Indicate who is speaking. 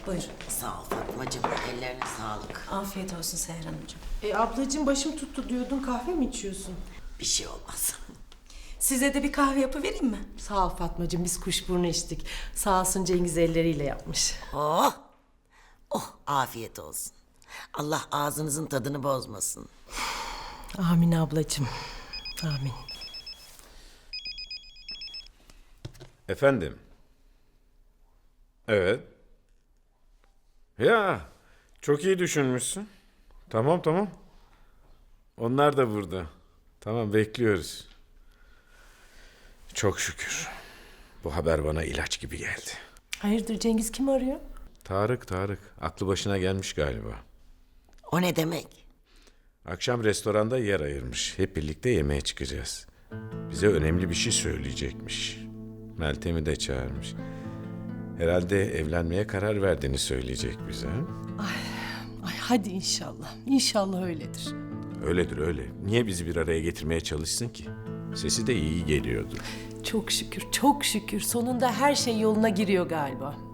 Speaker 1: Buyur.
Speaker 2: Sağ ol Fatmacığım. Ellerine sağlık.
Speaker 1: Afiyet olsun Seher Hanımcığım.
Speaker 3: Ablacığım başım tuttu diyordun, kahve mi içiyorsun?
Speaker 2: Bir şey olmaz.
Speaker 1: Size de bir kahve yapıvereyim mi?
Speaker 3: Sağ ol Fatmacığım, biz kuşburnu içtik. Sağ olsun Cengiz elleriyle yapmış.
Speaker 2: Oh! Oh afiyet olsun. Allah ağzınızın tadını bozmasın.
Speaker 3: Amin ablacığım, amin.
Speaker 4: Efendim? Evet. Ya, çok iyi düşünmüşsün. Tamam, tamam. Onlar da burada. Tamam, bekliyoruz. Çok şükür. Bu haber bana ilaç gibi geldi.
Speaker 3: Hayırdır, Cengiz kim arıyor?
Speaker 4: Tarık. Aklı başına gelmiş galiba.
Speaker 2: O ne demek?
Speaker 4: Akşam restoranda yer ayırmış. Hep birlikte yemeğe çıkacağız. Bize önemli bir şey söyleyecekmiş. Meltem'i de çağırmış. Herhalde evlenmeye karar verdiğini söyleyecek bize.
Speaker 3: Ay hadi inşallah, İnşallah öyledir.
Speaker 4: Öyledir öyle. Niye bizi bir araya getirmeye çalışsın ki? Sesi de iyi geliyordu.
Speaker 3: Çok şükür, çok şükür. Sonunda her şey yoluna giriyor galiba.